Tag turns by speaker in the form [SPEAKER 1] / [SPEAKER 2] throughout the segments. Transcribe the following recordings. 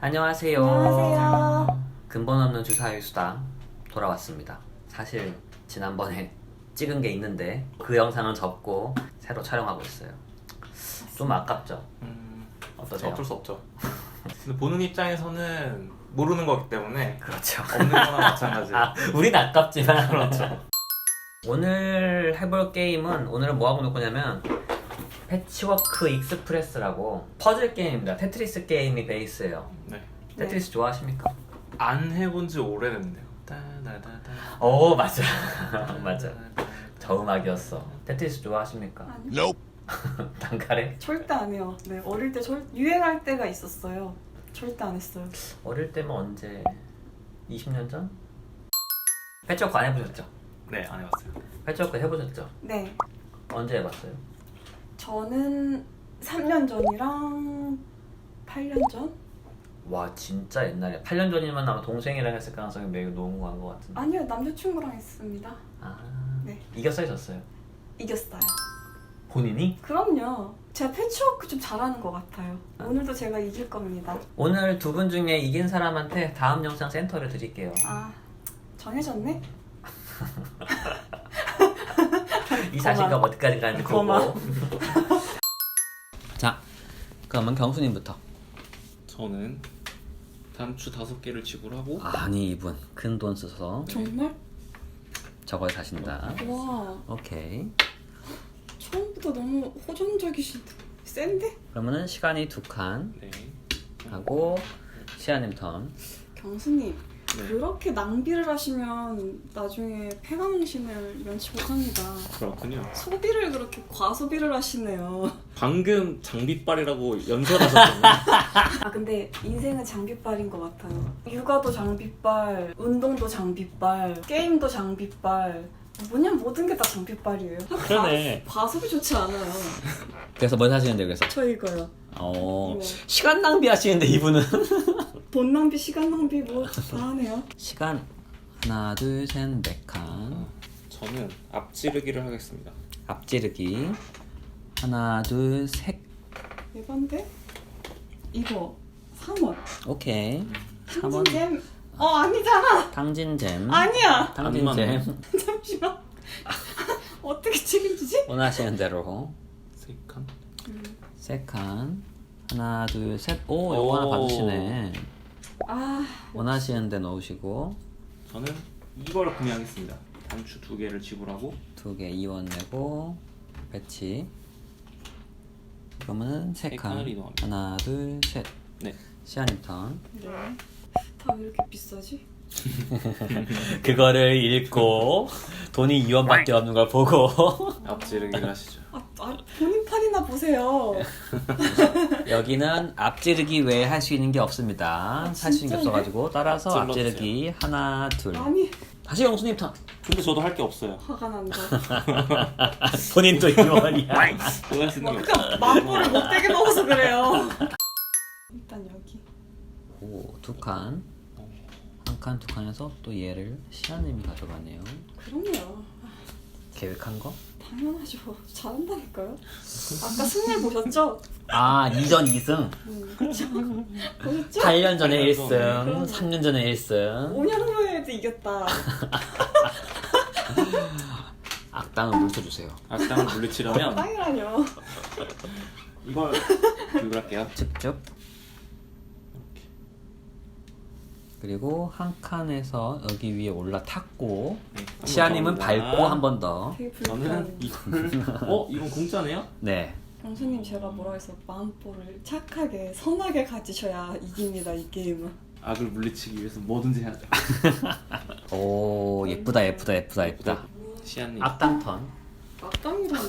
[SPEAKER 1] 안녕하세요.
[SPEAKER 2] 안녕하세요.
[SPEAKER 1] 근본 없는 주사위 수다 돌아왔습니다. 사실 지난번에 찍은 게 있는데 그 영상은 접고 새로 촬영하고 있어요. 좀 아깝죠? 어떠세요?
[SPEAKER 3] 어쩔 수 없죠. 근데 보는 입장에서는 모르는 거기 때문에
[SPEAKER 1] 그렇죠.
[SPEAKER 3] 없는 거나 마찬가지예요.
[SPEAKER 1] 우린 아깝지만
[SPEAKER 3] 그렇죠.
[SPEAKER 1] 오늘 해볼 게임은 오늘은 뭐 하고 놀 거냐면 패치워크 익스프레스라고 퍼즐 게임입니다. 테트리스 게임이 베이스예요.
[SPEAKER 3] 네.
[SPEAKER 1] 테트리스 좋아하십니까?
[SPEAKER 3] 안 해본 지 오래됐는데요. 따다다다.
[SPEAKER 1] 오 맞아. 맞아. 저 음악이었어. 테트리스 좋아하십니까?
[SPEAKER 2] 아니요.
[SPEAKER 1] 단칼에?
[SPEAKER 2] 절대 안 해요. 네, 어릴 때 유행할 때가 있었어요. 절대 안 했어요.
[SPEAKER 1] 어릴 때면 언제? 20년 전? 패치워크 안 해보셨죠?
[SPEAKER 3] 네, 안 해봤어요.
[SPEAKER 1] 패치워크 해보셨죠?
[SPEAKER 2] 네,
[SPEAKER 1] 언제 해봤어요?
[SPEAKER 2] 저는 3년 전이랑 8년 전?
[SPEAKER 1] 와 진짜 옛날에 8년 전이면 아마 동생이랑 했을 가능성이 매우 높은 것 같은데.
[SPEAKER 2] 아니요, 남자친구랑 했습니다.
[SPEAKER 1] 아
[SPEAKER 2] 네.
[SPEAKER 1] 이겼어요 졌어요?
[SPEAKER 2] 이겼어요.
[SPEAKER 1] 본인이?
[SPEAKER 2] 그럼요. 제가 패치워크 좀 잘하는 것 같아요. 오늘도 제가 이길 겁니다.
[SPEAKER 1] 오늘 두 분 중에 이긴 사람한테 다음 영상 센터를 드릴게요.
[SPEAKER 2] 아, 정해졌네?
[SPEAKER 1] 이 자신감 어디까지 가는지 보고.
[SPEAKER 2] 고마워.
[SPEAKER 1] 자 그러면 경수님부터.
[SPEAKER 3] 저는 단추 5개를 지불하고
[SPEAKER 1] 아니 이분 큰 돈 써서
[SPEAKER 2] 정말?
[SPEAKER 1] 저걸 사신다.
[SPEAKER 2] 와,
[SPEAKER 1] 오케이.
[SPEAKER 2] 처음부터 너무 호전적이신데. 센데?
[SPEAKER 1] 그러면은 시간이 2칸
[SPEAKER 3] 네.
[SPEAKER 1] 하고 시아님 턴.
[SPEAKER 2] 경수님,
[SPEAKER 3] 네.
[SPEAKER 2] 그렇게 낭비를 하시면 나중에 폐광신을 면치 못합니다.
[SPEAKER 3] 그렇군요.
[SPEAKER 2] 소비를 그렇게 과소비를 하시네요.
[SPEAKER 3] 방금 장비빨이라고 연설하셨잖아요.
[SPEAKER 2] 아 근데 인생은 장비빨인 것 같아요. 육아도 장비빨, 운동도 장비빨, 게임도 장비빨. 뭐냐 모든 게 다 장비빨이에요.
[SPEAKER 3] 그러네.
[SPEAKER 2] 과소비 좋지 않아요.
[SPEAKER 1] 그래서 뭘 사시는데 그래서?
[SPEAKER 2] 저 이거요.
[SPEAKER 1] 어
[SPEAKER 2] 네.
[SPEAKER 1] 시간 낭비하시는데 이분은.
[SPEAKER 2] 돈 낭비, 시간 낭비 뭐 다 하네요.
[SPEAKER 1] 시간 하나 둘셋 4칸.
[SPEAKER 3] 저는 앞지르기를 하겠습니다.
[SPEAKER 1] 앞지르기 하나 둘셋.
[SPEAKER 2] 이건데? 이거 3원.
[SPEAKER 1] 오케이. 3원
[SPEAKER 2] 탕진잼. 아니잖아.
[SPEAKER 1] 탕진잼.
[SPEAKER 2] 아니야.
[SPEAKER 1] 탕진잼.
[SPEAKER 2] 잠시만. 어떻게 책임지지?
[SPEAKER 1] 원하시는 대로
[SPEAKER 3] 3칸.
[SPEAKER 1] 3칸 하나 둘셋. 오 요거 하나
[SPEAKER 3] 오.
[SPEAKER 1] 받으시네.
[SPEAKER 2] 아,
[SPEAKER 1] 원하시는 데 넣으시고
[SPEAKER 3] 저는 이걸 구매하겠습니다. 단추 2개를 지불하고
[SPEAKER 1] 2개 2원 내고 배치. 그러면은 3칸
[SPEAKER 3] 칸을 이동합니다.
[SPEAKER 1] 하나 둘셋.
[SPEAKER 3] 네.
[SPEAKER 1] 시아님 턴.
[SPEAKER 2] 네. 다 왜 이렇게 비싸지?
[SPEAKER 1] 그거를 읽고 돈이 2원밖에 없는 걸 보고
[SPEAKER 3] 앞지르기를 하시죠.
[SPEAKER 2] 본인 판이나 보세요.
[SPEAKER 1] 여기는 앞지르기 외에 할 수 있는 게 없습니다. 살 수 있는 게
[SPEAKER 2] 진짜네?
[SPEAKER 1] 없어가지고 따라서
[SPEAKER 3] 찔러주세요.
[SPEAKER 1] 앞지르기 하나 둘.
[SPEAKER 2] 아니,
[SPEAKER 1] 다시 영수님 턴.
[SPEAKER 3] 근데 저도 할 게 없어요.
[SPEAKER 2] 화가 난다.
[SPEAKER 1] 본인도 2원이야.
[SPEAKER 3] 그거 할 수 있는 게 없어요.
[SPEAKER 2] 그러니까 만보를 못되게 먹어서 그래요. 일단 여기.
[SPEAKER 1] 오, 2칸. 한 칸, 2칸에서 또 얘를 시아님이 가져가네요.
[SPEAKER 2] 그럼요.
[SPEAKER 1] 계획한 거?
[SPEAKER 2] 당연하죠. 잘한다니까요. 아까 승리 보셨죠?
[SPEAKER 1] 아, 2전 2승.
[SPEAKER 2] 그렇죠. 보셨죠?
[SPEAKER 1] 8년 전에 1승,
[SPEAKER 2] 그럼요.
[SPEAKER 1] 3년 전에 1승.
[SPEAKER 2] 5년 후에도 이겼다.
[SPEAKER 1] 악당을 물쳐주세요.
[SPEAKER 3] 악당을 물리치려면
[SPEAKER 2] 땅이라뇨.
[SPEAKER 3] 이걸 할게요.
[SPEAKER 1] 직접.
[SPEAKER 3] 이렇게.
[SPEAKER 1] 그리고 한 칸에서 여기 위에 올라탔고
[SPEAKER 3] 네,
[SPEAKER 1] 시아님은
[SPEAKER 3] 감사합니다.
[SPEAKER 1] 밟고 한 번 더.
[SPEAKER 2] 되게
[SPEAKER 3] 저는
[SPEAKER 2] 불쾌한.
[SPEAKER 3] 이걸 이건 공짜네요?
[SPEAKER 1] 네.
[SPEAKER 2] 경수님 제가 뭐라 해서 마음보를 착하게 선하게 가지셔야 이깁니다 이 게임은.
[SPEAKER 3] 악을 물리치기 위해서 뭐든지 해야죠.
[SPEAKER 1] 오, 예쁘다, 예쁘다, 예쁘다, 예쁘다.
[SPEAKER 3] 시안님.
[SPEAKER 1] 악당 턴.
[SPEAKER 2] 악당이라뇨.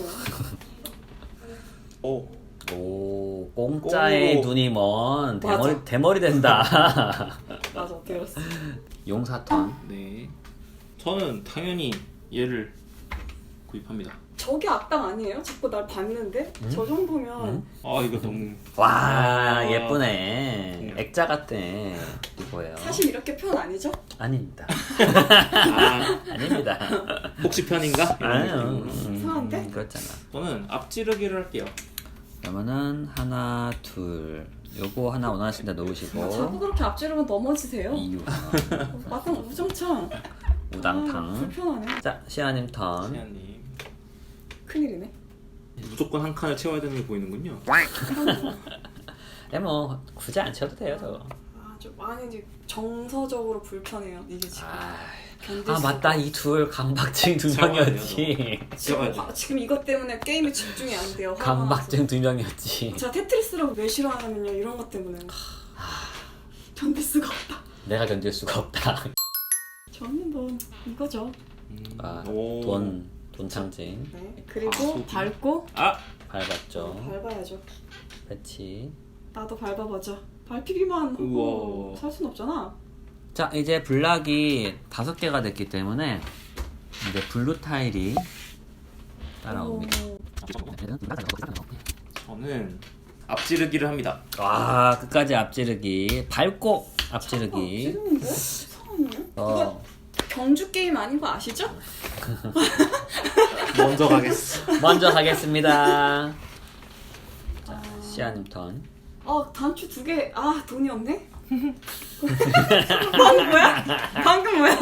[SPEAKER 3] 오.
[SPEAKER 1] 오, 공짜의
[SPEAKER 3] 오.
[SPEAKER 1] 눈이 먼
[SPEAKER 2] 맞아.
[SPEAKER 1] 대머리 된다.
[SPEAKER 2] 맞아, 들었어.
[SPEAKER 1] 용사 턴.
[SPEAKER 3] 네. 저는 당연히 얘를 구입합니다.
[SPEAKER 2] 저게 악당 아니에요? 자꾸 날 봤는데? 저 정도면
[SPEAKER 1] 응?
[SPEAKER 3] 아 이거 너무
[SPEAKER 1] 와,
[SPEAKER 3] 아.
[SPEAKER 1] 예쁘네. 액자 같네. 이거예요.
[SPEAKER 2] 사실 이렇게 표현 아니죠?
[SPEAKER 1] 아닙니다.
[SPEAKER 3] 아
[SPEAKER 1] 아닙니다.
[SPEAKER 3] 혹시 편인가? 이런
[SPEAKER 1] 아유,
[SPEAKER 3] 느낌으로.
[SPEAKER 2] 이상한데?
[SPEAKER 1] 그렇잖아.
[SPEAKER 3] 저는 앞지르기를 할게요.
[SPEAKER 1] 그러면은 하나, 둘, 요거 하나 원하신다
[SPEAKER 2] 자꾸
[SPEAKER 1] 놓으시고
[SPEAKER 2] 그렇게 앞지르면 넘어지세요.
[SPEAKER 1] 이유
[SPEAKER 2] 약간 우정창.
[SPEAKER 1] 우당탕.
[SPEAKER 2] 불편하네.
[SPEAKER 1] 자 시아님 턴.
[SPEAKER 3] 시아님
[SPEAKER 2] 큰일이네.
[SPEAKER 3] 무조건 한 칸을 채워야 되는 게 보이는군요.
[SPEAKER 1] 뭐 굳이 안 쳐도 돼요 저거.
[SPEAKER 2] 좀 많이 이제 정서적으로 불편해요. 이게 지금 견딜
[SPEAKER 1] 아
[SPEAKER 2] 수가
[SPEAKER 1] 맞다 이 둘 강박증 두 명이었지.
[SPEAKER 2] 지금 이것 때문에 게임에 집중이 안 돼요. 화가
[SPEAKER 1] 강박증 두 명이었지.
[SPEAKER 2] 나서. 제가 테트리스를 왜 싫어하냐면요. 이런 것 때문에 견딜 수가 없다.
[SPEAKER 1] 내가 견딜 수가 없다.
[SPEAKER 2] 저는 뭐 이거죠.
[SPEAKER 1] 돈 창진
[SPEAKER 2] 네. 그리고 밟고
[SPEAKER 1] 밟았죠.
[SPEAKER 2] 밟아야죠.
[SPEAKER 1] 배치.
[SPEAKER 2] 나도 밟아보자. 밟히기만 하고
[SPEAKER 3] 우와.
[SPEAKER 2] 살 순 없잖아.
[SPEAKER 1] 자 이제 블락이 5개가 됐기 때문에 이제 블루 타일이 따라옵니다.
[SPEAKER 3] 저는 앞지르기를 합니다.
[SPEAKER 1] 와 끝까지 앞지르기 밟고 앞지르기.
[SPEAKER 2] 찌르는데? 이상하네.
[SPEAKER 1] 어.
[SPEAKER 2] 이거 경주 게임 아닌 거 아시죠?
[SPEAKER 3] 먼저 가겠어.
[SPEAKER 1] 먼저 가겠습니다. 자 시아님 턴.
[SPEAKER 2] 단추 2개. 돈이 없네? 방금 뭐야? 방금 뭐야?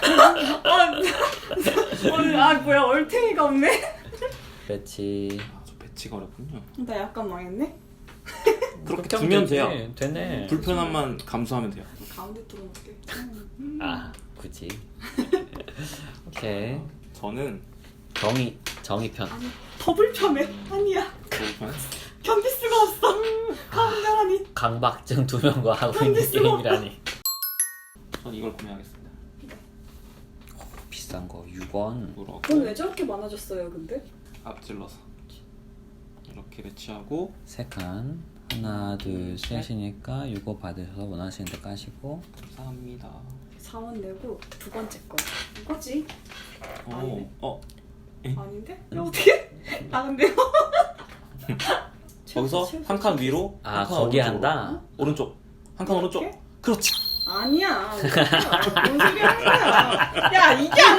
[SPEAKER 2] 뭐야? 얼탱이가 없네?
[SPEAKER 1] 배치.
[SPEAKER 3] 저 배치가 어렵군요.
[SPEAKER 2] 나 약간 망했네?
[SPEAKER 3] 그렇게 두면 돼요.
[SPEAKER 1] 되네.
[SPEAKER 3] 불편함만 감수하면 돼요.
[SPEAKER 2] 가운데 뚫어놓을게.
[SPEAKER 1] 굳이. 오케이.
[SPEAKER 3] 저는
[SPEAKER 1] 정의 편.
[SPEAKER 2] 아니, 더 불편해. 아니야.
[SPEAKER 3] 불편.
[SPEAKER 2] 견딜 수가 없어. 가운데 하니.
[SPEAKER 1] 강박증 2명과 하고 있는 게임이라니.
[SPEAKER 3] 전 이걸 구매하겠습니다.
[SPEAKER 1] 비싼 거 6원.
[SPEAKER 3] 누르고
[SPEAKER 2] 돈 왜 저렇게 많아졌어요, 근데?
[SPEAKER 3] 앞질러서 이렇게 배치하고
[SPEAKER 1] 3칸. 하나 둘 셋이니까 이거 받으셔서 원하시는 데 까시고.
[SPEAKER 3] 감사합니다.
[SPEAKER 2] 4원 내고 2번째 거. 이거지? 아니네. 아닌데? 야, 어떻게? 나간대요?
[SPEAKER 3] 거기서 한 칸 위로 한 칸
[SPEAKER 1] 거기
[SPEAKER 3] 오른쪽으로.
[SPEAKER 1] 한다?
[SPEAKER 3] 오른쪽 한 칸 오른쪽.
[SPEAKER 2] 이렇게?
[SPEAKER 3] 그렇지.
[SPEAKER 2] 아니야. 뭔 소리 하는 거야? 야, 이게 안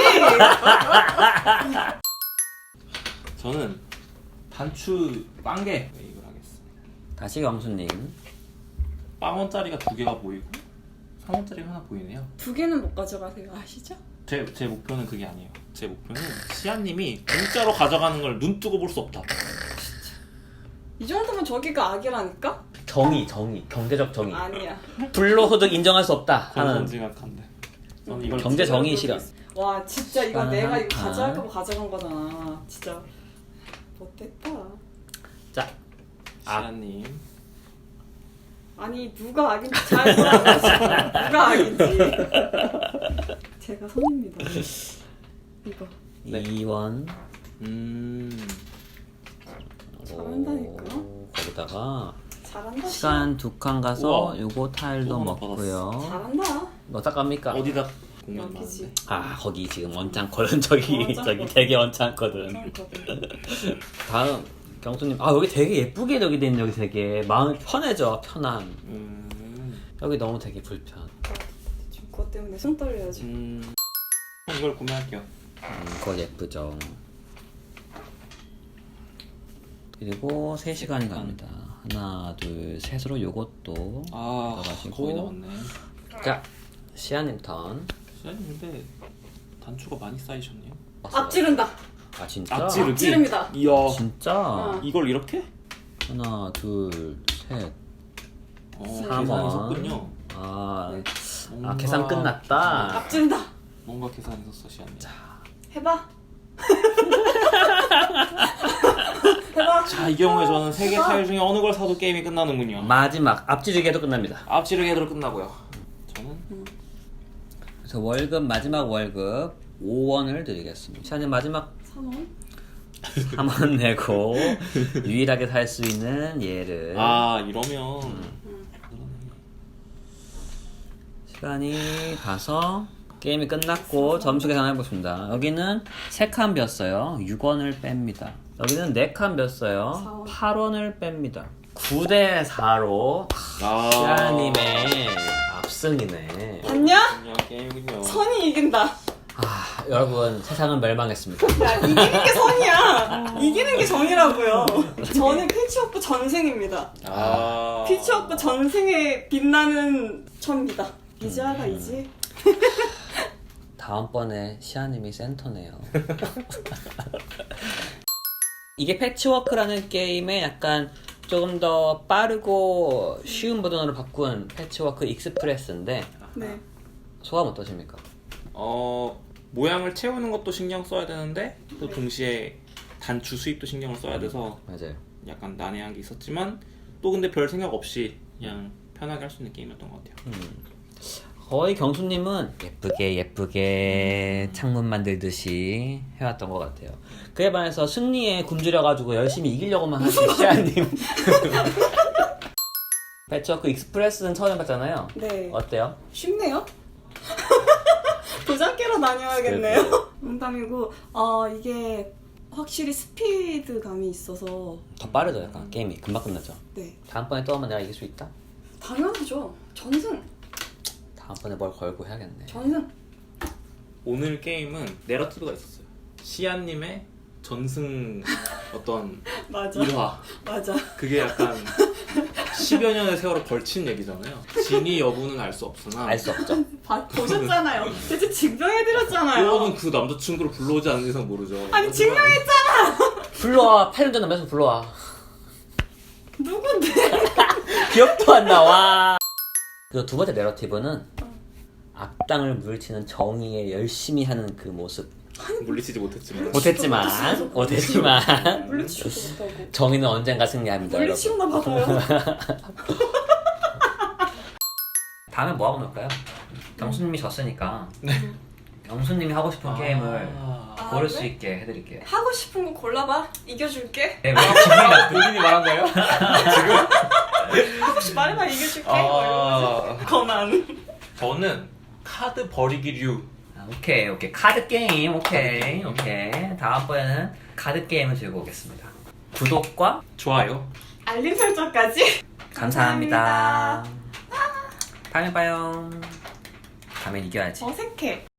[SPEAKER 2] 가지.
[SPEAKER 3] 저는 단추 빵개 이걸 하겠습니다.
[SPEAKER 1] 다시 영수님.
[SPEAKER 3] 빵원짜리가 2개가 보이고 3원짜리가 하나 보이네요.
[SPEAKER 2] 2개는 못 가져가세요. 아시죠?
[SPEAKER 3] 제 목표는 그게 아니에요. 제 목표는 시아님이 공짜로 가져가는 걸 눈 뜨고 볼 수 없다.
[SPEAKER 2] 이 정도면 저기가 악이라니까?
[SPEAKER 1] 정의 경제적 정의.
[SPEAKER 2] 아니야.
[SPEAKER 1] 불로소득 인정할 수 없다 하는
[SPEAKER 3] 건선징악한데. 저는 이걸
[SPEAKER 1] 경제 정의 실현.
[SPEAKER 2] 와, 진짜 이거
[SPEAKER 1] 시간은
[SPEAKER 2] 내가
[SPEAKER 1] 한
[SPEAKER 2] 이거
[SPEAKER 1] 칸.
[SPEAKER 2] 가져갈까 봐 가져간 거잖아. 진짜 못됐다.
[SPEAKER 1] 자
[SPEAKER 3] 시아님
[SPEAKER 2] 아니, 누가 악인지 잘 보라고. 누가 악인지. 제가 선입니다. 이거.
[SPEAKER 3] 네.
[SPEAKER 1] 2원.
[SPEAKER 2] 잘한다니까.
[SPEAKER 1] 거기다가
[SPEAKER 2] 잘한다.
[SPEAKER 1] 시간 2칸 가서
[SPEAKER 3] 우와.
[SPEAKER 1] 요거 타일도
[SPEAKER 3] 또 하나
[SPEAKER 1] 먹고요.
[SPEAKER 2] 잘한다.
[SPEAKER 1] 어디다 갑니까?
[SPEAKER 3] 어디다 공연
[SPEAKER 2] 여기지.
[SPEAKER 1] 거기 지금 원창거든. 저기 되게 원창거든.
[SPEAKER 2] 괜찮거든.
[SPEAKER 1] 다음 경수님. 여기 되게 예쁘게 여기 돼 있는 여기 되게 마음이 편해져. 편함. 여기 너무 되게 불편.
[SPEAKER 2] 지금 그것 때문에 손 떨려야지.
[SPEAKER 3] 이걸 구매할게요.
[SPEAKER 1] 그거 예쁘죠. 그리고 3시간이 갑니다. 하나 둘 셋으로 요것도 들어가시고.
[SPEAKER 3] 거의 나왔네.
[SPEAKER 1] 자 시아님 턴.
[SPEAKER 3] 시아님 근데 단추가 많이 쌓이셨네요.
[SPEAKER 2] 앞지른다.
[SPEAKER 1] 진짜?
[SPEAKER 3] 앞지르기?
[SPEAKER 2] 앞지릅니다.
[SPEAKER 3] 이야.
[SPEAKER 1] 진짜?
[SPEAKER 3] 이걸 이렇게?
[SPEAKER 1] 하나 둘 셋.
[SPEAKER 3] 3원. 계산이 섰군요.
[SPEAKER 2] 네.
[SPEAKER 1] 계산 끝났다.
[SPEAKER 2] 앞지른다.
[SPEAKER 3] 뭔가 계산이 섰어 시아님.
[SPEAKER 2] 해봐. 해봐.
[SPEAKER 3] 자, 이 경우에 저는 3개 타일 중에 어느 걸 사도 게임이 끝나는군요.
[SPEAKER 1] 마지막 앞지르기도 끝납니다.
[SPEAKER 3] 앞지르기로 끝나고요. 저는
[SPEAKER 1] 그래서 마지막 월급 5원을 드리겠습니다. 시아님 마지막
[SPEAKER 2] 3원.
[SPEAKER 1] 3원 내고 유일하게 살 수 있는 얘를.
[SPEAKER 3] 이러면
[SPEAKER 1] 시간이 가서 게임이 끝났고 점수 계산해 보겠습니다. 여기는 3칸 ቢ었어요. 6원을 뺍니다. 여기는 4칸 ቢ었어요. 8원을 뺍니다. 9대 4로 시아님의 압승이네.
[SPEAKER 2] 봤냐?
[SPEAKER 3] 그냥 게임이군요.
[SPEAKER 2] 선이 이긴다.
[SPEAKER 1] 여러분 세상은 멸망했습니다.
[SPEAKER 2] 야, 이기는 게 선이야. 이기는 게 정이라고요. 저는 패치워크 전생입니다. 패치워크 전생에 빛나는 천입니다. 이지아가 이지.
[SPEAKER 1] 다음번에 시아님이 센터네요. 이게 패치워크라는 게임에 약간 조금 더 빠르고 쉬운 버전으로 바꾼 패치워크 익스프레스인데
[SPEAKER 2] 네.
[SPEAKER 1] 소감 어떠십니까?
[SPEAKER 3] 모양을 채우는 것도 신경 써야 되는데 또
[SPEAKER 2] 네.
[SPEAKER 3] 동시에 단추 수입도 신경을 써야 돼서
[SPEAKER 1] 맞아요.
[SPEAKER 3] 약간 난해한 게 있었지만 또 근데 별 생각 없이 그냥 편하게 할 수 있는 게임이었던 것 같아요.
[SPEAKER 1] 거의 경수님은 예쁘게 창문 만들듯이 해왔던 것 같아요. 그에 반해서 승리에 굶주려가지고 열심히 이기려고만 하신 시아님. 패치워크 익스프레스는 처음 해봤잖아요.
[SPEAKER 2] 네.
[SPEAKER 1] 어때요?
[SPEAKER 2] 쉽네요. 도장 깨러 다녀야겠네요. 농담이고 이게 확실히 스피드감이 있어서
[SPEAKER 1] 더 빠르죠, 약간 게임이 금방 끝나죠.
[SPEAKER 2] 네.
[SPEAKER 1] 다음번에 또 한번 내가 이길 수 있다?
[SPEAKER 2] 당연하죠. 전승.
[SPEAKER 1] 다음번에 뭘 걸고 해야겠네.
[SPEAKER 2] 전승.
[SPEAKER 3] 오늘 게임은 내러티브가 있었어요. 시안님의 전승 어떤
[SPEAKER 2] 맞아.
[SPEAKER 3] 일화.
[SPEAKER 2] 맞아.
[SPEAKER 3] 그게 약간 10여 년의 세월을 걸친 얘기잖아요. 진위 여부는 알 수 없으나
[SPEAKER 1] 알 수 없죠.
[SPEAKER 2] 보셨잖아요. 대체 증명해드렸잖아요.
[SPEAKER 3] 그거는 그 남자친구를 불러오지 않는 이상 모르죠.
[SPEAKER 2] 아니 증명했잖아.
[SPEAKER 1] 불러와. 8년 전 남자친구 불러와.
[SPEAKER 2] 누군데?
[SPEAKER 1] 기억도 안 나와. 그리고 두 번째 내러티브는 악당을 물리치는 정의에 열심히 하는 그 모습.
[SPEAKER 3] 물리치지 못했지만
[SPEAKER 1] 못했지만
[SPEAKER 2] 물리치지도 못하고.
[SPEAKER 1] 정의는 언젠가 승리합니다.
[SPEAKER 2] 물리치우나 봐봐요.
[SPEAKER 1] 다음에 뭐 하고 놀까요? 경수님이 졌으니까 경수님이 하고 싶은 게임을 고를 수
[SPEAKER 2] 그래?
[SPEAKER 1] 있게 해드릴게요.
[SPEAKER 2] 하고 싶은 거 골라봐. 이겨줄게.
[SPEAKER 1] 네, 왜 기분이 나쁘
[SPEAKER 3] 본인이 말한 거예요?
[SPEAKER 2] 하고 싶 말해봐 이겨줄게. 거만.
[SPEAKER 3] 저는 카드 버리기류.
[SPEAKER 1] 오케이 카드 게임 오케이 다음번에는 카드 게임을 들고 오겠습니다. 구독과
[SPEAKER 3] 좋아요.
[SPEAKER 2] 알림 설정까지.
[SPEAKER 1] 감사합니다. 다음에 봐요. 다음엔 이겨야지.
[SPEAKER 2] 어색해.